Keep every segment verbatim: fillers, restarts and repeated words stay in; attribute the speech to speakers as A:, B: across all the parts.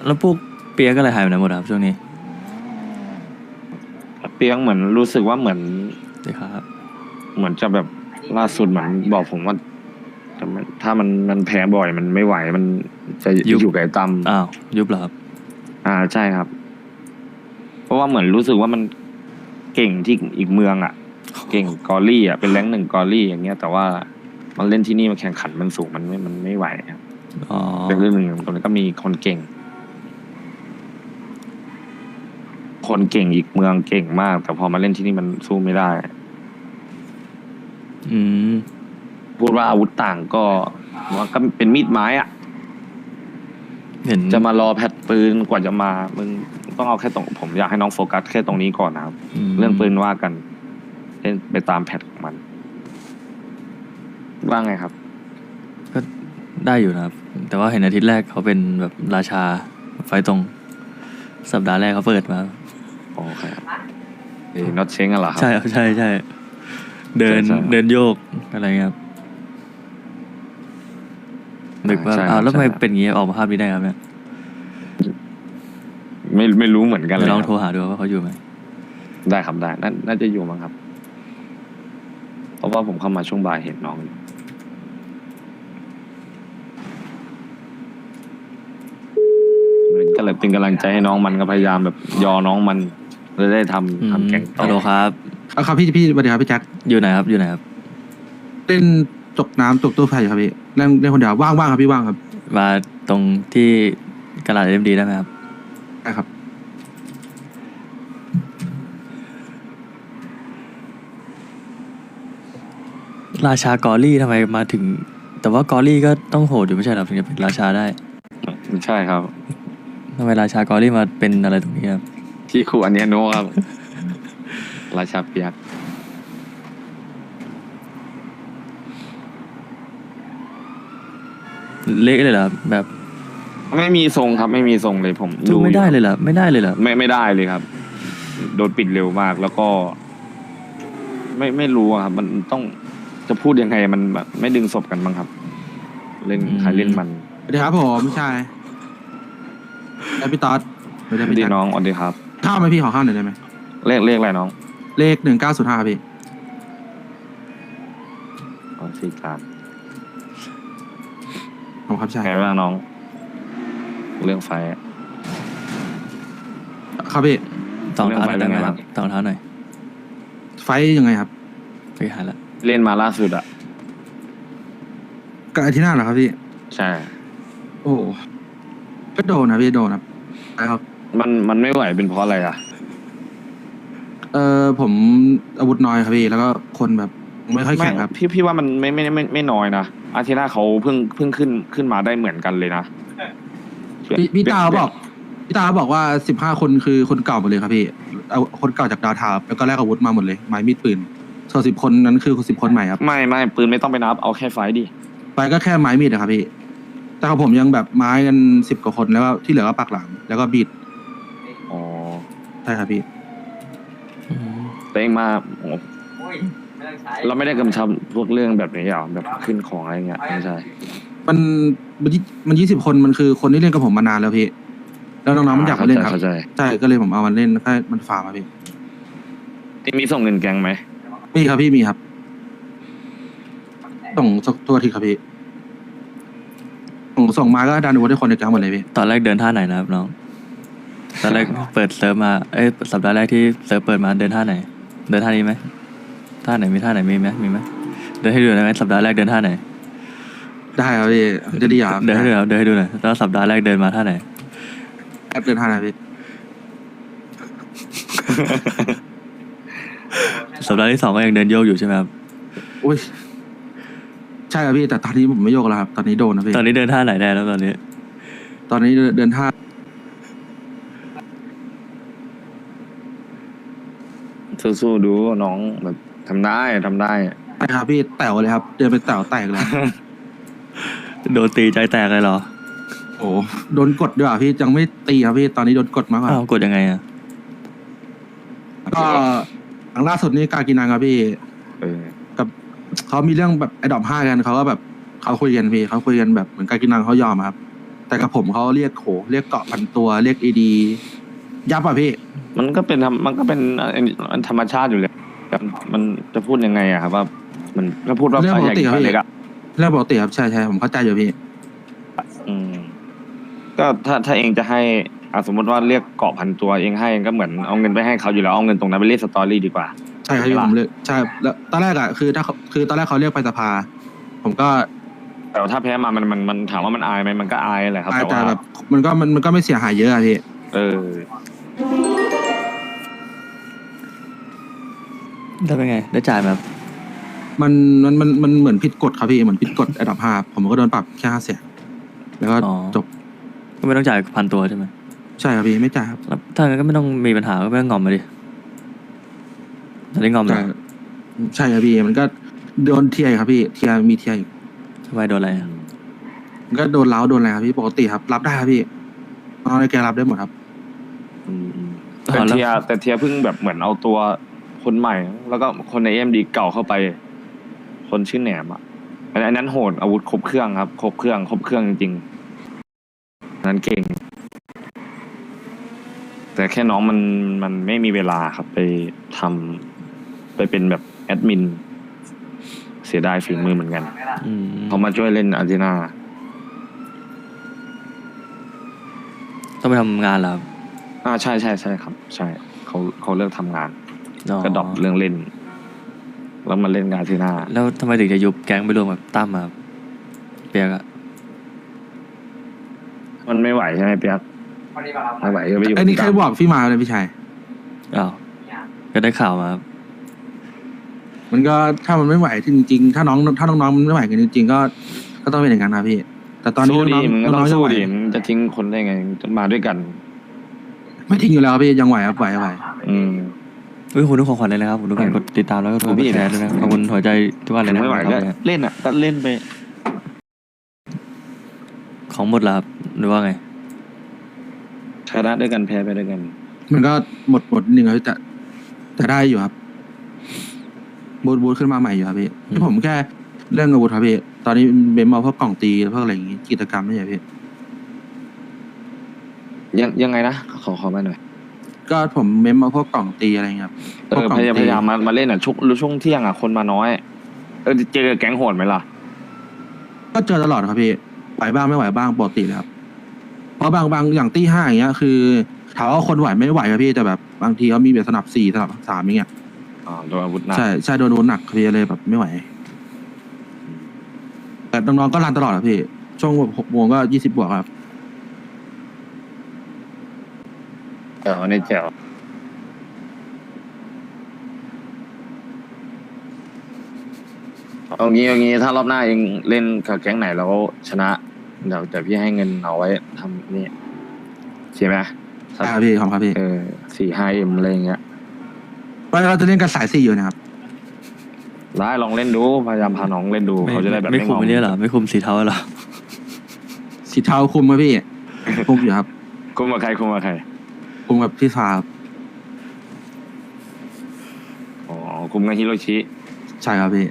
A: แล้วพวกเปียกอะไรหายไปไหนหมดครับช่วงนี้
B: เปียงเหมือนรู้สึกว่าเหมือน
A: ดีครับ
B: เหมือนจะแบบล่าสุดเหมือนบอกผมว่าจะมันถ้ามันมันแพ้บ่อยมันไม่ไหวมันจะ
A: ยุบ
B: อยู่กับไอ้ตั้ม
A: อ้าวยุบเหรอครับ
B: อ่าใช่ครับ เพราะว่าเหมือนรู้สึกว่ามันเก่งที่อีกเมืองอ่ะ เก่งกอรี่อ่ะเป็นแรงค์หนึ่งกอรี่อย่างเงี้ยแต่ว่ามันเล่นที่นี่มันแข่งขันมันสูงมันไม่มันไม่ไหวครับ
A: อ๋อ
B: เป็นเรื่องหนึ่งตรงนี้ก็มีคนเก่ง คนเก่งอีกเมืองเก่งมาก แต่พอมาเล่นที่นี่มันสู้ไม่ได้
A: อืม
B: พูดว่าอาวุธต่างก็มันก็เป็นมีดไม้อ่ะ
A: เห็น
B: จะมารอแพทปืนกว่าจะมามึงต้องเอาแค่ตรงผมอยากให้น้องโฟกัสแค่ตรงนี้ก่อนนะครับ
A: ม
B: เรื่องปืนว่ากันเล่นไปตามแพทของมัน ว่าไงครับ
A: ก็ได้อยู่นะครับ แต่ว่าเห็นอาทิตย์แรกเขาเป็นแบบราชาไฟตรง สัปดาห์แรกเขาเปิดมา
B: โอเคครับเอ้น็อตเช้งอะเหรอครับ
A: ใช่ครับใช่ใช่เดิน
B: ใช่ใช่
A: เดินโยกอะไรเงี้ยครับนึกว่า
B: ใช่ครับ
A: อ้าวแล้วทำไม
B: ใช่ครับ
A: เป็นอย่างงี้ออกมาภาพนี้ได้ครับเนี่ย
B: ไม่ไม่รู้เหมือนกันเล
A: เดี๋ย
B: ยว
A: ลอง
B: ค
A: โทร
B: รับ
A: หาดูว่าเขาอยู่ไหม
B: ได้ครับได้นาน่าจะอยู่มั้งครับ เพราะว่าผมเข้ามาช่วงบ่ายเห็นน้องอยู่ก็เลยเป็นกำลังใจให้น้องมันก็พยายามแบบยอน้องมันจะได้ทำทำแข่งต่อ
A: ฮัลโหลครับ
C: เอาครับพี่พี่สวัสดีครับพี่แจ็ค
A: อยู่ไหนครับอยู่ไหนครับ
C: เล่นตกน้ำตกตู้ไฟอยู่ครับพี่เล่นเล่นคนเดียวว่างว่างครับพี่ว่างครับ
A: มาตรงที่กระดาษเอ็มดีได้ไหมครับ
C: ได้ครับ
A: ราชากอรี่ทำไมมาถึง แต่ว่ากอรี่ก็ต้องโหดอยู่ไม่ใช่เหรอถึงจะเป็นราชาได้
B: ใช่ครับ
A: ทำไมราชากอรี่มาเป็นอะไรตรงนี้ครับ
B: ที่ครูอันเนี้ยโนครับ ราชาเปียก
A: เละเลยเหรอครับแบบ
B: ไม่มีทรงครับ ไม่มีทรงเลยผม
A: สู้ไม่ได้
B: อยู่
A: เลยเหรอไม่ได้เลยเหรอ
B: ไม่ไม่ได้เลยครับ โดนปิดเร็วมากแล้วก็ ไม่ไม่รู้อะครับ มันต้องจะพูดยังไงมันแบบไม่ดึงศพกันบ้างครับ เล่นใครเล่นมัน
C: สวัสดีครับผมใช่แล้วพี่ต๊อดสวัสดีครับพี่
B: ดี
C: แจ็ค
B: น้องสวัสดีครับ
C: ข้าวไหมพี่ขอข้าวหน่อยได้ไหม
B: เลขเลขอะไรน้อง
C: เลขหนึ่งเก้าศูนย์ห้าพี่
B: อ๋อสี่การ
C: ผมครับใช่
B: ไงบ้างน้อง เรื่องไฟอะ
C: ครับพี่
A: ต่องเท้าหน่อย
B: เรื่
A: ได้
B: อง
A: ไหม
B: ไฟ
A: ครับต่องเท้าหน่อย
C: ไฟยังไงครับ
A: ไปหาละ
B: เล่นมาล่าสุดอะ
C: กับอาทิตย์หน้าเหรอครับพี่
B: ใช่
C: โอ้โหก็โดนนะพี่โดนครับใช่ครับ
B: มันมันไม่ไหวเป็นเพราะอะไรอะ
C: เออผมอาวุธน้อยครับพี่แล้วก็คนแบบไม่ค่อยแข็งครับ
B: พี่พี่ว่ามันไม่ไม่ไม่ไม่น้อยนะอาทิตย์หน้าเขาเพิ่งเพิ่งขึ้นขึ้นมาได้เหมือนกันเลยนะ
C: พี่พี่ตาบอกพี่ตาบอกว่าสิบห้าคนคือคนเก่าหมดเลยครับพี่เอาคนเก่าจากดาวทาวน์แล้วก็แลกอาวุธมาหมดเลยไม้มีดปืนส่วนสิบคนนั้นคือสิบคนใหม่ครับ
B: ไม่ไม่ปืนไม่ต้องไปนับเอาแค่ไฟดิ
C: ไปก็แค่ไม้มีดอะครับพี่แต่ของผมยังแบบไม้กันสิบกว่าคนแล้วก็ที่เหลือก็ปักหลังแล้วก็บีด
B: อ๋อ
C: ใช่ครับพี่
A: อืม
B: แต่เองมาโอ้เราไม่ได้กำชับพวกเรื่องแบบนี้หรอแบบขึ้นของอะไรเงี้ยไม่ใช่
C: มันมันยี่มันยี่สิบคนมันคือคนที่เล่นกับผมมานานแล้วพี่แล้วน้องๆมันอยากมาเล่นครับ
B: เข้าใจ
C: ใช่ก็เลยผมเอามันเล่นแค่มันฟาร์มครับพี่
B: เองมีส่งเงินแกงไหม
C: มีครับพี่มีครับส่งสักตัวทีครับพี่ส่งส่งมาก็ดันอาวุธให้คนในแก๊งหมดเลยพี่
A: ตอนแรกเดินท่าไหนนะครับน้องตอนแรกเปิดเซิร์ฟมาเอ้ยสัปดาห์แรกที่เซิร์ฟเปิดมาเดินท่าไหน เดินท่านี้ไหมท่าไหนมีท่าไหนมีไหมมีไหมเดินให้ดูหน่อยไหมสัปดาห์แรกเดินท่าไหน
C: ได้ครับพี่จะดีครับ
A: เดินให้ดูหน่อยเดินให้ดูหน่อยแล้วสัปดาห์แรกเดินมาท่าไหน
C: แอปเดินทางไหนพี่
A: สัปดาห์ที่สองก็ยังเดินโยกอยู่ใช่ไหมครับ
C: อุ้ยใช่ครับพี่แต่ตอนนี้ผมไม่โยกแล้วครับตอนนี้โดนนะพี่
A: ตอนนี้เดินท่าไหนได้แล้วตอนนี้
C: ตอนนี้เดินท่า
B: สู้ๆดูน้องแบบทำได้ทำได้
C: ใช่ครับพี่แต๋วเลยครับเดินไปแต๋วแตกเลยครับ
A: โดนตีใจแตกเลยเหรอ
C: โอ้โดนกดด้วยอ่ะพี่ยังไม่ตีครับพี่ตอนนี้โดนกดมากกว่า
A: อ้าวกดยังไงอ่ะ
C: ก็หลังล่าสุดนี่กากินังครับพี่
B: เออ
C: กับเขามีเรื่องแบบไอ้ดอมห้ากันเขาก็แบบเขาคุยกันพี่เขาคุยกันแบบเหมือนกากินังเขายอมอะครับแต่กับผมเขาเรียกโขเรียกเกาะพันตัวเรียกเอดียับอ่ะพี่
B: มันก็เป็นธรรมมันก็เป็นธรรมชาติอยู่เลยครับมันจะพูดยังไงอะครับว่ามันถ้าพูดว่า
C: เรื่องปกติ
B: ใหญ่
C: ครับพี่
B: เล็กอะ
C: เรื่องปกติครับใช่ใช่ผมเข้าใจอยู่พี่
B: อืมก็ถ้าถ้าเองจะให้อ่ะสมมติว่าเรียกเกาะพันตัวเองให้ก็เหมือนเอาเงินไปให้เขาอยู่แล้วเอาเงินตรงนั้นไปเล่นสตอรี่ดีกว่า
C: ใช่ครับพี่ผมเลือกใช่แล้วตอนแรกอ่ะคือถ้าเขาคือตอนแรกเขาเรียกไปสภา ผมก็
B: แต่ว่าถ้าแพ้มามันมันมันถามว่ามันอายไหมมันก็อายแหละครับ
C: อาจ
B: แต่
C: จะ
B: ว่า
C: แบบมันก็มันมันก็ไม่เสียหายเยอะอะพี่
B: เออ
A: แล้วเป็นไงได้จ่ายไหมครับ
C: มันมันมันมันเหมือนผิดกฎครับพี่เหมือนผิดกฎอันดับห้าผมก็โดนปรับแค่ห้าแสนแล้วก็จบ
A: ก็ไม่ต้องจ่ายพันตัวใช่ไหม
C: ใช่ครับพี่ไม่จ่ายครับ
A: แล้วถ้างั้นก็ไม่ต้องมีปัญหาก็ไม่ต้องงอมมาดิจะได้งอมเหร
C: ใช่
A: อ
C: ใช่ครับพี่มันก็โดนเทียร์ครับพี่เทียร์มีเทียร์อีก
A: ทำไมโดนอะไรอะ
C: มันก็โดนเล้าโดนอะไรครับพี่ปกติครับ รับได้ครับพี่น้องในแกรับได้หมดครับ
B: อืมอืมแต่เทียแต่เทียเพิ่งแบบเหมือนเอาตัวคนใหม่ แล้วก็คนในเอ็มดีเก่าเข้าไป คนชื่อแหนมอ่ะอันอันนั้นโหดอาวุธครบเครื่องครับ ครบเครื่องครบเครื่องจริงๆอันนั้นเก่ง แต่แค่น้องมันมันไม่มีเวลาครับไปทำไปเป็นแบบแอดมิน เสียดายฝีมือเหมือนกัน
A: อืม
B: เขามาช่วยเล่นอาร์เจน่า
A: ต้องไปทำงานเหรอครับ
B: อ่าใช่ใช่ใช่ครับ ใช่เขาเขาเลิกทำงาน
A: อ๋อ
B: ก็ดรอปเรื่องเล่น แล้วมาเล่นอาร์เจน่า
A: แล้วทำไมถึงจะยุบแก๊งไปรวมกับตั้มอะครับเปียกอะ
B: มันไม่ไหวใช่ไหมเปียกไม่ไหวก็ไปอยู่
C: ไอ้นี่ใครบอกพี่มาเลยพี่ชาย
A: อ้าวก็ได้ข่าวมาครับ
C: มันก็ถ้ามันไม่ไหวจริงๆถ้าน้องถ้าน้องๆมันไม่ไหวกันจริงๆก็ก็ต้องเป็นอย่างนั้นนะพี่ แต่ตอนนี้
B: สู้
C: น้
B: ดี
C: อง
B: มึงก็
C: ๆ
B: ต้
C: น้
B: อ
C: อง งๆจะ
B: สู้
C: ไหว
B: ดิมึงจะทิ้งคนได้ไงจะมาด้วยกัน
C: ไม่ทิ้งอยู่แล้วพี่ยังไหวครับไหวไหว
B: อืม
A: เฮ้ยคุณทุกของขวัญเลยนะครับผมทุกการกดติดตามแล้วก็กด
B: โอ้พี่
A: แชร์ด้วยนะขอบคุณหัวใจทุกวันเลยนะ
B: ไม่ไหว
A: ค
B: ก็
A: รับ
B: เล่นอ่ะก็เล่นไป
A: ของหมดแล้วครับหรือว่าไง
B: ชนะด้วยกันแพ้ไปด้วยกัน
C: มันก็หมดหมดนิดนึงครับพี่แต่แต่ได้อยู่ครับบูทบูทขึ้นมาใหม่อยู่ครับพี่
A: อืม
C: ที่ผมแค่เรื่องอาวุธครับพี่ตอนนี้เบมเอาพวกกล่องตีพวกอะไรอย่างงี้กิจกรรมไม่ใช่พี่
B: ยังยังไงนะขอขอมาหน่อย
C: ก็ผมเมมเอาพวกกล่องตีอะไรเงี้ยครับ
B: เอ
C: พวก
B: อก
C: ล่อง
B: พยายาม
C: ตี
B: พยายามมามาเล่นอ่ะช่วงช่วงเที่ยงอ่ะคนมาน้อย เออเจอแก๊งโหดไหมล่ะ
C: ก็เจอตลอดครับพี่ไหวบ้างไม่ไหวบ้างปกติเลยครับเพราะบางบางอย่างตีห้าอย่างเงี้ยคือถามว่าคนไหวไม่ไหวครับพี่แต่แบบบางทีเขามีแบบสนับสี่สนับสามอย่างเงี้ย
B: อ๋อโดนอาวุธหนัก
C: ใช่ใช่โดนโดนหนักครับพี่เลยแบบไม่ไหวแต่น้องๆก็รันตลอดครับพี่ช่วงแบบหกโมงก็ยี่สิบบวกครับ
B: เออในแจ๋วเอางี้เอางี้ถ้ารอบหน้าเองเล่นกับแก๊งไหนแล้วชนะเดี๋ยวเดี๋ยวพี่ให้เงินเอาไว้ทำนี่ใช่ไหม
C: ใช่ครับพี่ขอบคุณครับพี่
B: เออสี่ห้าเอ็มอะไรอย่างเงี้ย
C: ว่าเราจะเล่นกันสายสี่อยู่นะครับ
B: ได้ลองเล่นดูพยายามพาน้องเล่นดู
A: ไม่
B: เขาจะได้แบบ
A: ไม่
B: ไม่
A: คุม
B: งอม
A: ไม่ได้เหรอไม่คุมสีเทาเหรอ
C: สีเทาคุมครับพี่ คุมอยู่ครับ
B: คุมกับใครคุมกับใคร
C: คุมกับพี่ฟ้าครับ
B: อ๋อคุมกับฮิโรชิ
C: ใช่ครับพี่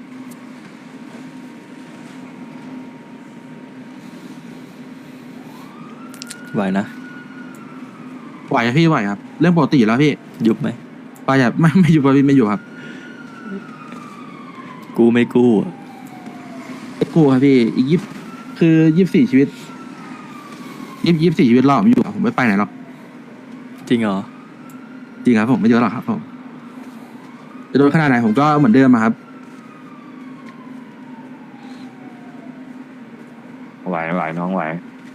A: ไหวนะ
C: ไหวครับพี่ไหวครับ เรื่องปกติอยู่แล้วพี่
A: ยุบไหม
C: ไปอย่าไม่ไม่อยู่ครับพี่ไม่อยู่ครับ
A: กู้ไม่กู้อะ
C: ไม่กลัวครับพี่อีกยี่คือยี่สิบสี่ชีวิตยี่ยี่สิบสี่ชีวิตรอผมอยู่ครับผมไม่ไปไหนหรอก
A: จริงเหรอ
C: จริงครับผมไม่เยอะหรอกครับผมจะโดนขนาดไหนผมก็เหมือนเดิมอะครับ
B: ไหวไหวน้องไหว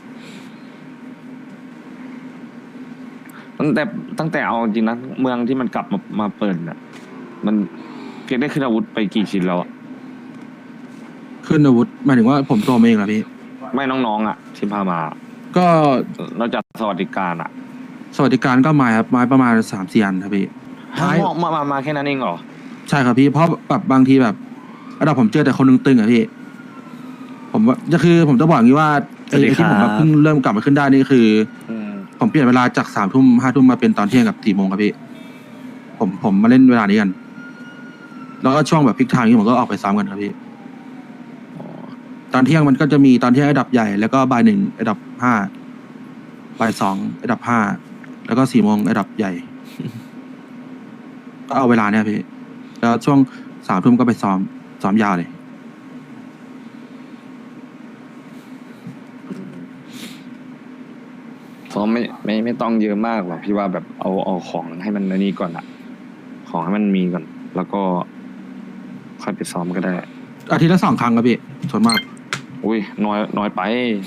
B: ตั้งแต่ตั้งแต่เอาจริงนะเมืองที่มันกลับมามาเปิดน่ะ มันเพียงได้ขึ้นอาวุธไปกี่ชิ้นแล้วอะ
C: ขึ้นอาวุธหมายถึงว่าผมตัวเองเหรอพี่
B: ไม่น้องๆอ่ะที่พามา
C: ก็
B: นอกจากสวัสดิการอ่ะ
C: สวัสดิการก็ไม้ครับไม้ประมาณสามสี่อันครับพี่
B: มามามามาแค่นั้นเองเหรอ
C: ใช่ครับพี่เพราะแบบบางทีแบบระดับผมเจอแต่คนหนึงตึงอะพี่ ผมว่าจะคือผมจะบอกอย่างนี้ว่าไอ้
A: สวัสดี
C: ไอ้ที่ผม
A: ครั
C: แบบ บเพิ่งเริ่มกลับมาขึ้นได้นี่คือ
B: อืม
C: ผมเปลี่ยนเวลาจากสามทุ่มห้าทุ่มมาเป็นตอนเที่ยงกับสี่โมงครับพี่ ผมผมมาเล่นเวลานี้กัน แล้วก็ช่วงแบบพิกทางนี้ผมก็ออกไปซ้ำกันครับพี่
B: อ๋อ
C: ตอนเที่ยงมันก็จะมีตอนเที่ยงอันดับใหญ่แล้วก็บ่ายหนึ่งอันดับห้าบ่ายสองอันดับห้าแล้วก็สี่โมงอันดับใหญ่ ก็เอาเวลาเนี่ยพี่แล้วช่วงสามทุ่มก็ไปซ้อมซ้อมยาวเลย
B: ซ้อมไม่ไม่ไม่ต้องเยอะมากหรอกพี่ว่าแบบเอาเอาของให้มันอันนี้ก่อนอะของให้มันมีก่อน แล้วก็ค่อยไปซ้อมก็ได้
C: อาทิตย์ละสองครั้งครับพี่ส่วนมาก
B: อุ้ยน้อยน้อยไป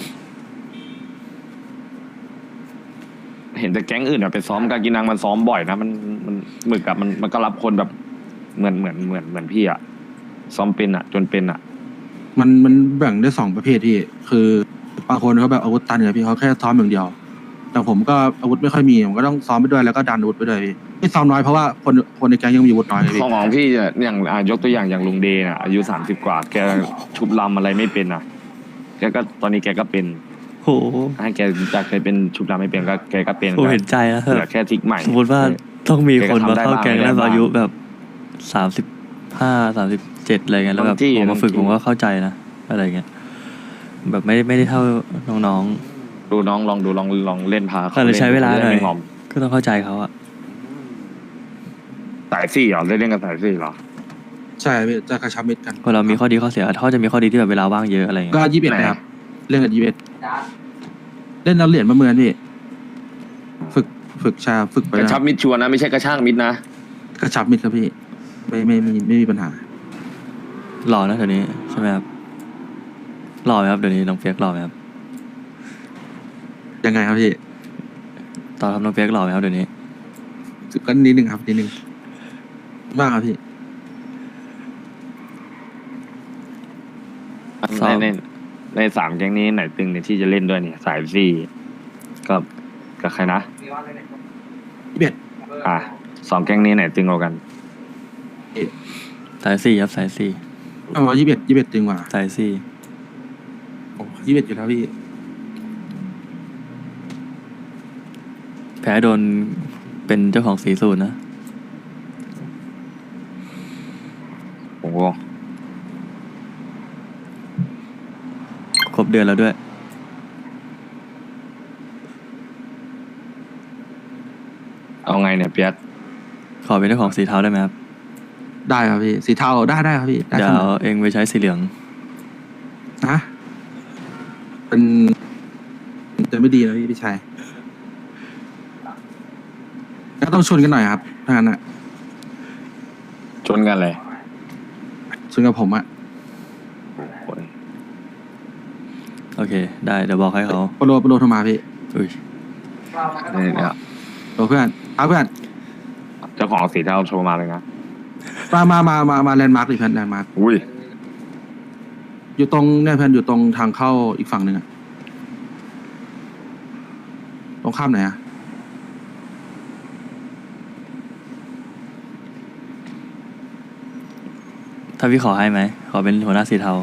B: เห็นแต่แก๊งอื่นอะไปซ้อมกากินังมันซ้อมบ่อยนะมันมันหมึกอะมันมันก็รับคนแบบเหมือนเหมือนเหมือนเหมือนพี่อะซ้อมเป็นอะจนเป็นอะ
C: มันมันแบ่งได้สองประเภทพี่ คือบางคนเขาแบบอาวุธตันเนี่ยพี่เขาแค่ซ้อมอย่างเดียว แต่ผมก็อาวุธไม่ค่อยมีผมก็ต้องซ้อมไปด้วยแล้วก็ดันอาวุธไปด้วยพี่ที่ซ้อมน้อยเพราะว่าคนคนในแก๊งยังมีอาวุธน้อยเลยพี่
B: ของของพี่อะอย่างอ่ะยกตัวอย่างอย่างลุงเดย์น่ะอายุสามสิบกว่าแกชุบลำอะไรไม่เป็นอะแกก็ตอนนี้แกก็เป็น
A: โห
B: ให้แกจากเคยเป็นชุบลำไม่เป็นก็แกก็เป็น
A: ผมเห็นใจแล้ว
B: เหลือแค่ทริกใหม่
A: สมมติว่าต้องมีคนมาเข้าแก๊งแล้ว
B: แกก็ทำได้บ้าง
A: อายุแบบสามสิบห้าสามสิบเจ็ดอะไรเงี้ยแล้วแบบ
B: บางที่
A: ผมมาฝึก
B: บางที่
A: ผมก็เข้าใจนะอะไรเงี้ยแบบไม่ได้ไม่ได้เท่าน้อง
B: ดูน้องลองดูลองลองเล่นพา
A: ๆ
B: เขา
A: ก็เลยใช้เวลาห
B: ล่
A: น่อย
B: ไม่งอม
A: ก็ต้องเข้าใจเขาอะ
B: สายสี่เหรอเล่นเล่นกับสายสี่เหรอ
C: ใช่พี่จะกระชับมิตรกัน
A: พอเรามีข้อดีข้อเสียเขาจะมีข้อดีที่แบบเวลาว่างเยอะอะไรเงี้
C: ก็
A: ย
C: ยี่สิบเอ็ด
B: ไหน
C: นะครับเล่นกับยี่สิบเอ็ดเล่นเอาเหรียญมาเมือนพี่ฝึกฝึกชาฝึกไป
B: กระ
C: นะ
B: ชับมิดชัวร์นะไม่ใช่กระช่างมิดนะ
C: กระชับมิตรครับพี่ไม่ไม่ไม่ไม่มีปัญหา
A: หล่อนะเดี๋ยวนี้ใช่ไหมครับหล่อไหมครับเดี๋ยวนี้น้องเปียกหล่อไหมครับ
C: ยังไงครับพี่
A: ตอนทำน้องเปียกหล่อไหมครับเดี๋ยวนี้
C: ก็นิดนึงครับนิดนึงมากครับพี่
A: ซ้อ
B: ใน
A: ม
B: ในในสามแก๊งนี้ไหนตึงเนี่ยที่จะเล่นด้วยเนี่ยสายสี่กับกับใครนะ
C: ยี่สิบเอ็ด
B: อ่ะสองแก๊งนี้ไหนตึงกว่ากัน
A: สายสี่ครับสายสี่
C: เอาว่ายี่สิบเอ็ดยี่สิบเอ็ดจริงกว่า
A: สายสี่
C: โอ้ยี่สิบเอ็ดอยู่แล้วพี่
A: แพ้โดนเป็นเจ้าของสีสูตรนะ
B: โอ้โห
A: ครบเดือนแล้วด้วย
B: เอาไงเนี่ยเปียก
A: ขอเป็นเจ้าของสีเทาได้ไหมครับ
C: ได้ครับพี่สีเทาได้ได้ครับพี่ได้
A: เดี๋ย
C: เส
A: ว
C: มอ
A: เองไปใช้สีเหลือง
C: นะเป็นจะไม่ดีนะพี่พี่ชายก็ต้องชนกันหน่อยครับถ้างั้นอ่ะ
B: ชนกันเลย
C: ชนกับผมอ่ะ
B: โอ้ย
A: โอเค ได้เดี๋ยวบอกให้เขา
C: โปรโลโปรโลโทรมาพี่
A: อุ้ย
B: นี่เนี่ย
C: โปรเพื่อนเอาเพื่อน
B: เจ้าของสีเทาโทรมาเลยนะ
C: มามามามามาแลนด์มาร์กดิเพื่อนแลนด์มาร์ก
B: อุ้ย
C: อยู่ตรงเนี่ยเพื่อนอยู่ตรงทางเข้าอีกฝั่งหนึ่งอ่ะตรงข้ามไหนอ่ะ
A: ถ้าพี่ขอให้ไหม ขอเป็นหัวหน้าสีเทา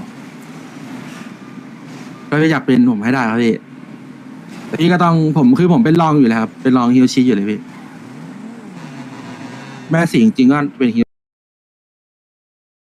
C: ก็อยากเป็นผมให้ได้ครับพี่แต่พี่ก็ต้องผมคือผมเป็นรองอยู่แล้วครับเป็นรองฮิโรชิอยู่เลยพี่แม่สิงจริงๆก็เป็นฮิ